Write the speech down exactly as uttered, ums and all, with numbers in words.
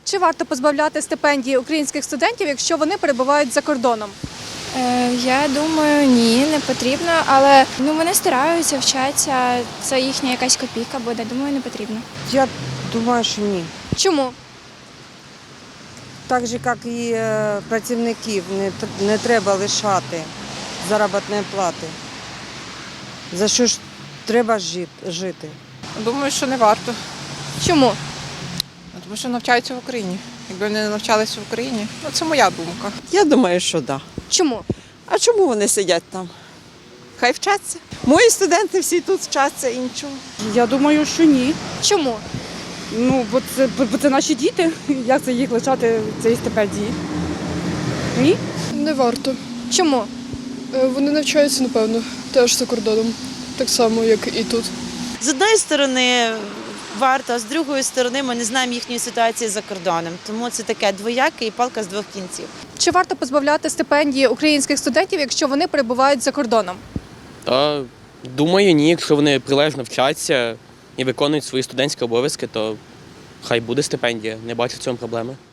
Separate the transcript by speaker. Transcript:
Speaker 1: Чи варто позбавляти стипендії українських студентів, якщо вони перебувають за кордоном?
Speaker 2: Е, Я думаю, ні, не потрібно, але ну вони стараються, вчаться, це їхня якась копійка буде. Думаю, не потрібно.
Speaker 3: Я думаю, що ні.
Speaker 1: Чому?
Speaker 3: Так же, як і е, працівників, не, тр- не треба лишати заробітної плати. За що ж треба жит- жити?
Speaker 4: Думаю, що не варто,
Speaker 1: Чому?
Speaker 4: тому що навчаються в Україні. Якби вони не навчалися в Україні, ну це моя думка.
Speaker 5: Я думаю, що так. Да.
Speaker 1: Чому?
Speaker 5: А чому вони сидять там? Хай вчаться. Мої студенти всі тут вчаться і нічого.
Speaker 6: Я думаю, що ні.
Speaker 1: Чому?
Speaker 6: Ну, бо це, бо це наші діти. Як це їх лишати цієї стипендії? Ні?
Speaker 7: Не варто.
Speaker 1: Чому?
Speaker 7: Е, Вони навчаються, напевно, теж за кордоном, так само, як і тут.
Speaker 8: З одної сторони варто, а з другої сторони ми не знаємо їхньої ситуації за кордоном. Тому це таке двояке і палка з двох кінців.
Speaker 1: Чи варто позбавляти стипендії українських студентів, якщо вони перебувають за кордоном?
Speaker 9: Та думаю, ні, якщо вони прилежно вчаться і виконують свої студентські обов'язки, то хай буде стипендія, не бачу в цьому проблеми.